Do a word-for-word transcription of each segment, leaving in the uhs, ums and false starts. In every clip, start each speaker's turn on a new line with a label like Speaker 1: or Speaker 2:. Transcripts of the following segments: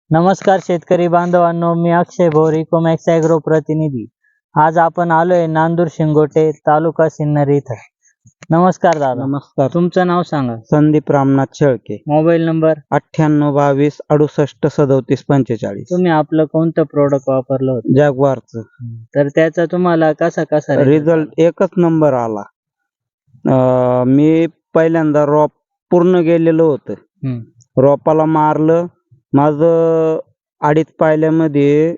Speaker 1: नमस्कार शेतकरी बांधवांनो, मी अक्षय भोर इकोमॅक्स ॲग्रो प्रतिनिधी। आज आपण आलोय नांदूर शिंगोटे तालुका सिन्नर इथं। नमस्कार दादा।
Speaker 2: नमस्कार।
Speaker 1: तुमचं नाव सांगा।
Speaker 2: संदीप रामनाथ शेळके।
Speaker 1: मोबाईल नंबर
Speaker 2: अठ्ठ्याण्णव बावीस अडुसष्ट सदोतीस पंचेचाळीस।
Speaker 1: तुम्ही आपलं कोणतं प्रोडक्ट वापरलं होतं?
Speaker 2: जॅग्वारचं।
Speaker 1: तर त्याचा तुम्हाला कसा कसा
Speaker 2: रिझल्ट एकच नंबर आला। अं, मी पहिल्यांदा रोप पूर्ण गेलेलो होतं। रोपाला मारलं, माझं अडीच पायल्यामध्ये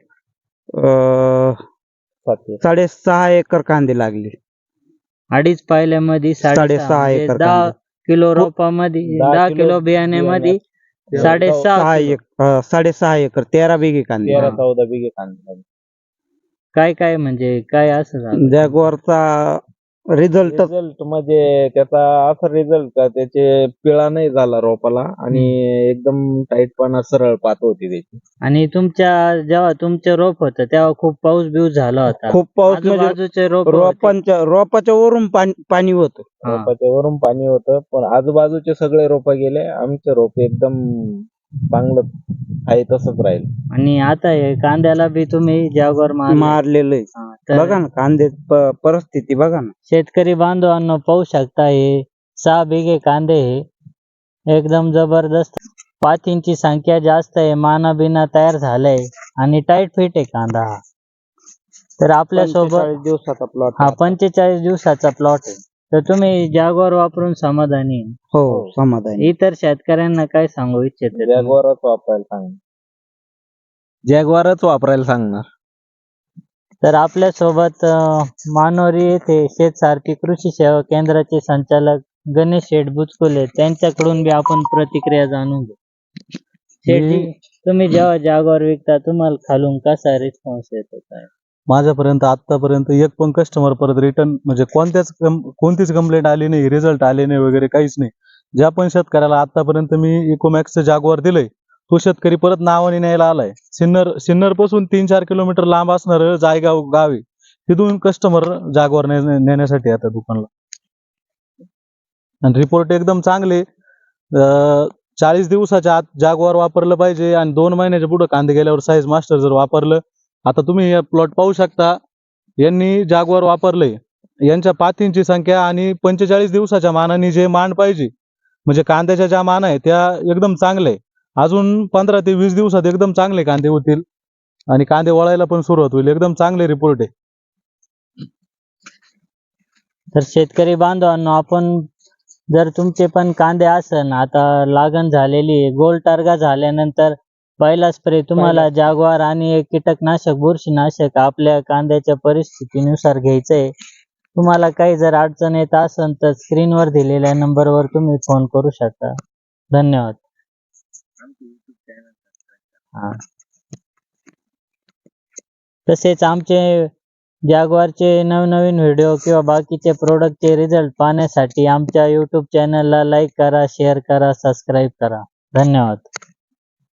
Speaker 2: अं, साडेसहा एकर कांदे लागले।
Speaker 1: अडीच पायल्यामध्ये
Speaker 2: साडेसहा एकर
Speaker 1: दहा
Speaker 2: कांदे।
Speaker 1: किलो रोपामध्ये दहा किलो बियाण्यामध्ये साडेसहा
Speaker 2: सहा
Speaker 1: किलो.
Speaker 2: एक अं, साडेसहा एकर तेरा बिघे कांदे।
Speaker 3: तेरा चौदा बिघे कांदे।
Speaker 1: काय काय म्हणजे काय असं झालं?
Speaker 2: जॅग्वारचा रिझल्ट
Speaker 3: रिझल्ट म्हणजे त्याचा असा रिझल्ट का त्याचे पिळा नाही झाला रोपाला आणि एकदम टाईटपणा सरळ पात होती त्याची।
Speaker 1: आणि तुमच्या जेव्हा तुमचं रोप होतं तेव्हा खूप पाऊस बिऊस झाला होता।
Speaker 2: खूप पाऊस म्हणजे
Speaker 1: आजूबाजूचे रोप होते.
Speaker 2: रोपांच्या रोपाच्या वरून पाणी पाणी होतं।
Speaker 1: हा.
Speaker 3: रोपाच्या वरून पाणी होतं, पण आजूबाजूचे सगळे रोप गेले, आमचे रोप एकदम चांगलं आहे तसंच राहील।
Speaker 1: आणि आता हे कांद्याला बी तुम्ही जॅग्वार
Speaker 2: मारलेलं आहे। बघा ना कांदे परिस्थिती बघा ना।
Speaker 1: शेतकरी बांधवांनो पाहू शकता, हे सहा बिघे कांदे हे एकदम जबरदस्त। पातींची संख्या जास्त आहे, माना बिना तयार झालंय आणि टाईट फिट आहे कांदा हा। तर आपल्या सोबत
Speaker 2: पंचेचाळीस दिवसाचा प्लॉट
Speaker 1: हा पंचेचाळीस दिवसाचा प्लॉट आहे। तर तुम्ही जॅग्वार वापरून समाधानी आहे?
Speaker 2: हो समाधानी।
Speaker 1: इतर शेतकऱ्यांना काय सांगू इच्छिते?
Speaker 3: जॅग्वारच वापरायला सांग
Speaker 2: जॅग्वारच वापरायला सांगणार।
Speaker 1: तर आपल्या सोबत मानोरी येथे शेतसारथी कृषी सेवा केंद्राचे संचालक गणेश शेठ बुचकुले, त्यांच्याकडून बी आपण प्रतिक्रिया जाणून घेऊ। शेठजी, तुम्ही जेव्हा जॅग्वार विकता तुम्हाला खालून कसा रिस्पॉन्स येतो? काय
Speaker 4: माझ्यापर्यंत आतापर्यंत एक पण कस्टमर परत रिटर्न म्हणजे कोणत्याच कोणतीच कंप्लेंट आली नाही, रिझल्ट आले नाही वगैरे काहीच नाही। ज्या पण शेतकऱ्याला आतापर्यंत मी इकोमॅक्सचं जॅग्वार दिलंय तो शेतकरी परत नावाने न्यायला आलाय। सिन्नर सिन्नर पासून तीन चार किलोमीटर लांब असणार जायगाव गाव आहे, तिथून कस्टमर जॅग्वार नेण्यासाठी येतात दुकानला। आणि रिपोर्ट एकदम चांगले। चाळीस दिवसाच्या आत जॅग्वार वापरलं पाहिजे आणि दोन महिन्याच्या पुढे कांदे गेल्यावर साईज मास्टर जर वापरलं, आता तुम्ही हे प्लॉट पाहू शकता, यांनी जॅग्वार वापरलंय। यांच्या पातींची संख्या आणि पंचेचाळीस दिवसाच्या मानाने जे मान पाहिजे म्हणजे कांद्याच्या ज्या मान आहे त्या एकदम चांगले। अजून पंधरा ते वीस दिवसात एकदम चांगले कांदे होतील आणि कांदे वळायला पण सुरुवात होईल। एकदम चांगले रिपोर्ट आहे।
Speaker 1: तर शेतकरी बांधवांनो, आपण जर तुमचे पण कांदे असन आता लागण झालेली गोल टार्गा झाल्यानंतर पहिला स्प्रे तुम्हाला जॅग्वार आणि एक कीटकनाशक बुरशीनाशक आपल्या कांद्याच्या परिस्थितीनुसार घ्यायचंय। तुम्हाला काही जर अडचण येत असेल तर स्क्रीनवर दिलेल्या नंबरवर तुम्ही फोन करू शकता। धन्यवाद। हा, तसेच आमचे जॅग्वारचे नवनवीन व्हिडिओ किंवा बाकीचे प्रोडक्टचे रिझल्ट पाहण्यासाठी आमच्या यूट्यूब चॅनलला लाईक करा, शेअर करा, सबस्क्राईब करा। धन्यवाद।